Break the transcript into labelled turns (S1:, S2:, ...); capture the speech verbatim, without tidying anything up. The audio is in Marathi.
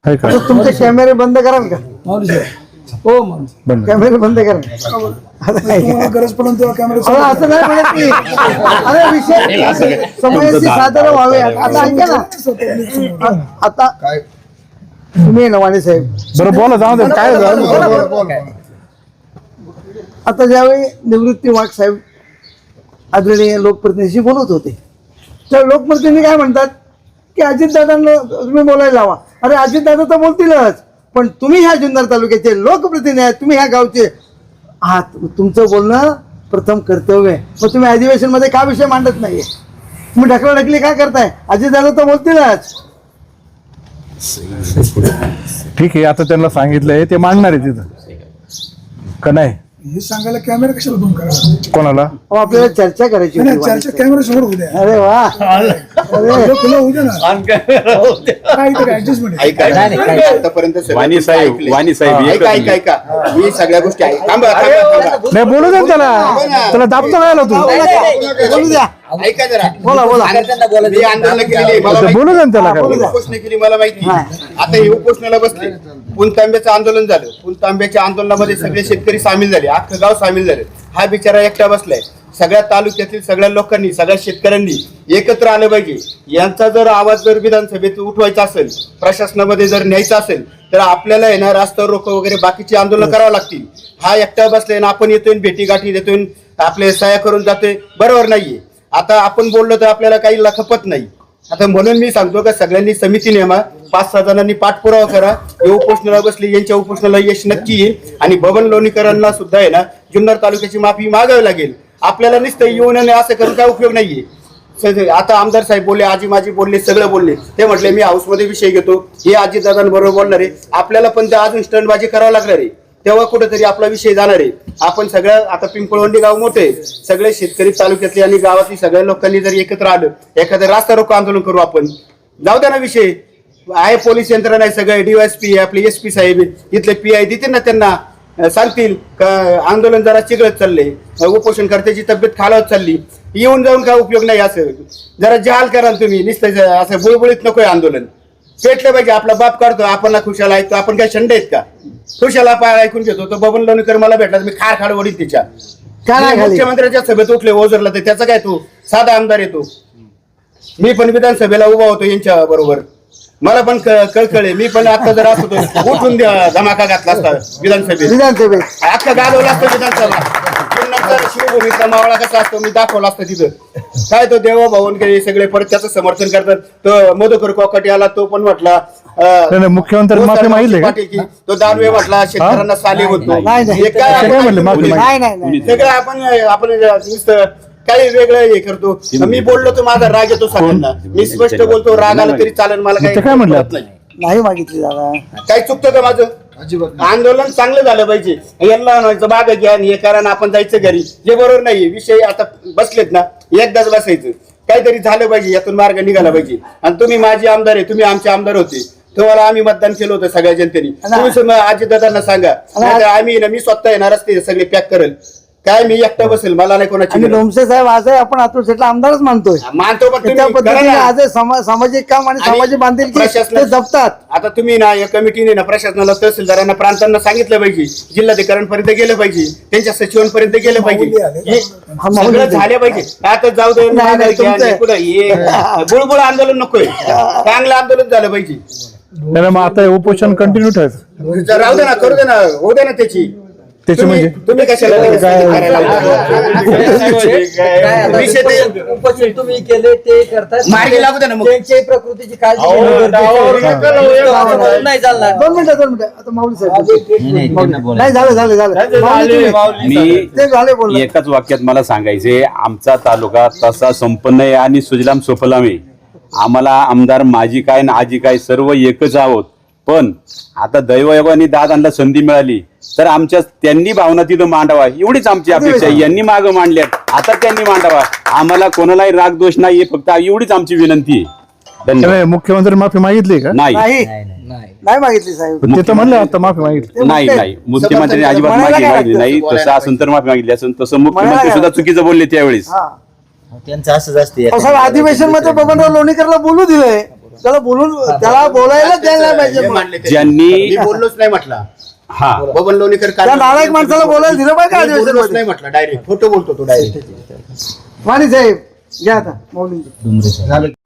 S1: तुमचे कॅमेरे बंद कराल का?
S2: हो मग
S1: कॅमेरे बंद करा.
S2: गरज पडून तेव्हा कॅमेरा
S1: असं नाही म्हणत मी. अरे विषय समयाशी सादर व्हावे. आता ऐका ना, आता तुम्ही नवाने साहेब
S3: बरं बोला, जाऊ दे काय झालं.
S1: आता ज्यावेळी निवृत्ती वाघ साहेब आदरणीय लोकप्रतिनिधीशी बोलत होते, तर लोकप्रतिनिधी काय म्हणतात की अजितदादांना तुम्ही बोलायला लावा. अरे अजितदादा तर बोलतीलच, पण तुम्ही ह्या जुन्नर तालुक्याचे लोकप्रतिनिधी आहेत, तुम्ही ह्या गावचे आहात, तुमचं बोलणं प्रथम कर्तव्य आहे. मग तुम्ही अधिवेशन मध्ये का विषय मांडत नाहीये? तुम्ही ढकलाढकली काय करताय? अजितदादा तर बोलतीलच.
S3: ठीक आहे, आता त्यांना सांगितलंय ते मांडणार आहे तिथं का नाही?
S2: हे सांगायला कॅमेरा कशाला बंद करा?
S3: कोणाला
S1: अहो, आपल्याला चर्चा करायची
S2: नाही,
S1: होती.
S2: चर्चा कॅमेरा समोर होऊ द्या.
S1: अरे वा,
S2: अरे खुलं होऊ द्या ना. काय तरी ऍडजस्टमेंट आहे.
S4: ऐका आतापर्यंत सगळं
S5: वाणी साहेब
S4: ऐकलंय.
S5: वाणी साहेब
S4: ऐका
S5: एकच
S4: ऐका ऐका मी सगळ्या गोष्टी ऐक थांबा थांबा थांबा
S3: नाही, बोलू दे ना त्याला. त्याला दाबतो काय तू?
S1: बोलू द्या.
S4: ऐका जरा
S1: बोला बोला.
S4: मी आंदोलन केलेली आहे, मला माहिती.
S3: बोलू दे ना त्याला काय.
S4: उपोषण केली मला माहिती. आता हे उपोषणाला बसले. पुणतांब्याचं आंदोलन झालं. पुणतांब्याच्या आंदोलनामध्ये सगळे शेतकरी सामील झाले, अख्खं गाव सामील झाले. हा बिचारा एकटा बसलाय. सगळ्या तालुक्यातील सगळ्या लोकांनी, सगळ्या शेतकऱ्यांनी एकत्र आलं पाहिजे. यांचा जर आवाज जर विधानसभेत उठवायचा असेल, प्रशासनामध्ये जर न्यायचा असेल, तर आपल्याला येणार रस्ता रोको वगैरे बाकीची आंदोलन करावं लागतील. हा एकटा बसलाय ना आपण येतोय, भेटी गाठी देतोय, आपले सह्या करून जातोय, बरोबर नाहीये. आता आपण बोललो तर आपल्याला काही लखपत नाही. आता म्हणून मी सांगतो का सगळ्यांनी समिती नेमा, पाच सहा जणांनी पाठपुरावा करा. हे उपोषणाला बसले, यांच्या उपोषणाला यश नक्की येईल. आणि बबन लोणीकरांना सुद्धा आहे ना जुन्नर तालुक्याची माफी मागावी लागेल. आपल्याला नुसतं येऊन आणि असं करून काय उपयोग नाहीये. आता आमदार साहेब बोलले, आजी माझी बोलले, सगळं बोलले. ते म्हटले मी हाऊसमध्ये विषय घेतो, हे आजीदादांबरोबर बोलणार आहे. आपल्याला पण ते अजून स्टंटबाजी करावं लागणार आहे, तेव्हा कुठेतरी आपला विषय जाणार आहे. आपण सगळं आता पिंपळवंडी गाव मोठे, सगळे शेतकरी तालुक्यातले आणि गावातली सगळ्या लोकांनी जर एकत्र आलं, एखादं रास्ता रोको आंदोलन करू आपण. जाऊ द्या ना विषय. आहे पोलीस यंत्रणा आहे, सगळे डीवायएसपी आपले एस पी साहेब इथले पी आय देतील ना, त्यांना सांगतील का आंदोलन जरा चिघळत चालले, उपोषणकर्त्याची तब्येत खालावत चालली, येऊन जाऊन काय उपयोग नाही. असं जरा जहाल कराल तुम्ही, नुसतं असं बुळबुळीत नकोय आंदोलन. पेटलं पाहिजे. आपला बाप काढतो, आपण खुशाल ऐकतो, आपण काय शंड आहेत का? खुशाला पाय ऐकून घेतो. तो बबन लोणीकर मला भेटला तर मी खार खाड वडील तिच्या. मुख्यमंत्र्याच्या सभेत उठले ओझरला, तर त्याचा काय तो साधा आमदार येतो. मी पण विधानसभेला उभा होतो यांच्या बरोबर, मला पण कळकळे. मी पण आता जर असतो उठून धमाका घातला असता विधानसभेत,
S1: विधानसभेत
S4: अख्खा गाजवला असतं विधानसभा. शिवभूमीचा मावळा कसा असतो मी दाखवला असतं तिथं. काय तो देवा भाऊन सगळे परत त्याचं समर्थन करतात. तो मधुकर कोकाटे आला, तो पण म्हटला
S3: मुख्यमंत्री माफी मागितली का?
S4: तो दानवे म्हटला शेतकऱ्यांना साले होतो. सगळं आपण आपण नुसतं काही वेगळं हे करतो. मी बोललो तर माझा राग येतो सगळ्यांना. मी स्पष्ट बोलतो, राग आला तरी चालेल, मला काही म्हणत नाही.
S1: नाही मागितली दादा.
S4: काही चुकतं का माझं? आंदोलन चांगलं झालं पाहिजे. यांना बाग घ्या आणि हे करा, आपण जायचं घरी, जे बरोबर नाही. विषय आता बसलेत ना, एकदाच बसायचं. काहीतरी झालं पाहिजे, यातून मार्ग निघाला पाहिजे. आणि तुम्ही माझे आमदार आहे, तुम्ही आमचे आमदार होते, तुम्हाला आम्ही मतदान केलं होतं सगळ्या जनतेने. तुम्ही अजितदादांना सांगा, आम्ही ना मी स्वतः येणार असते, सगळे पॅक करेल. काय मी एकटा बसेल, मला नाही कोणाची.
S1: लोमसे साहेब आज आहे, आपण अतुल शेटला आमदारच मानतोय,
S4: मानतो. पण
S1: त्या पद्धतीने आज सामाजिक काम आणि सामाजिक बांधिलकी ते जपतात.
S4: आता तुम्ही ना या कमिटीने ना प्रशासनाला, तहसीलदारांना, प्रांतांना सांगितलं पाहिजे, जिल्हाधिकाऱ्यांपर्यंत गेलं पाहिजे, त्यांच्या सचिवांपर्यंत गेलं पाहिजे, सगळं झालं पाहिजे. आता जाऊ दे, बुळबुळ आंदोलन नकोय, चांगलं आंदोलन झालं पाहिजे.
S3: मग आता उपोषण कंटिन्यू ठेवायचं,
S4: राहू दे ना, करू दे ना, होऊ दे ना त्याची.
S3: त्याची म्हणजे
S4: तुम्ही कशाला
S6: तुम्ही केले ते करतात,
S4: मार्गी लागू दे ना मग.
S6: त्यांची प्रकृतीची काळजी नाही चालणार.
S1: दोन मिनिटं दोन मिनिटं आता माऊली साहेब नाही झालं झालं झालं
S5: मी
S1: ते झाले बोल.
S5: एकाच वाक्यात मला सांगायचे, आमचा तालुका तसा संपन्न आहे आणि सुजलाम सुफलाम आहे. आम्हाला आमदार माझी काय ना आजी काय सर्व एकच आहोत. पण आता दैवयोगाने दादांना संधी मिळाली तर आमच्या त्यांनी भावना तिथं मांडावा, एवढीच आमची अपेक्षा. यांनी मागं मांडल्यात, आता त्यांनी मांडावा. आम्हाला कोणालाही राग दोष नाहीये, फक्त एवढीच आमची विनंती आहे. धन्यवाद.
S3: मुख्यमंत्री माफी मागितली का?
S5: नाही
S1: नाही मागितली साहेब.
S3: ते तर म्हणलं आता माफी मागितली
S5: नाही नाही मुख्यमंत्र्यांनी अजिबात माफी मागितली नाही. तसं असून तर माफी मागितली असून, तसं मुख्यमंत्री सुद्धा चुकीचं बोलले त्यावेळेस.
S6: त्यांचं असंच असते.
S1: अधिवेशन मध्ये बबनराव लोणीकरला बोलू दिलंय, त्याला बोलून त्याला बोलायला द्यायला नाही पाहिजे
S4: हे
S1: मग.
S4: मांडले ते.
S5: ज्यांनी-
S4: मी बोललोच नाही म्हटलं
S5: हा
S4: बबन लोणीकर
S1: त्या नालायक माणसाला बोलायला दिलं पाहिजे का
S4: मी बोललोच
S1: अधिवेशनमध्ये?
S4: नाही म्हटलं डायरेक्ट खोटं बोलतो तो डायरेक्ट
S1: वाणी साहेब घ्या आता मौलिंग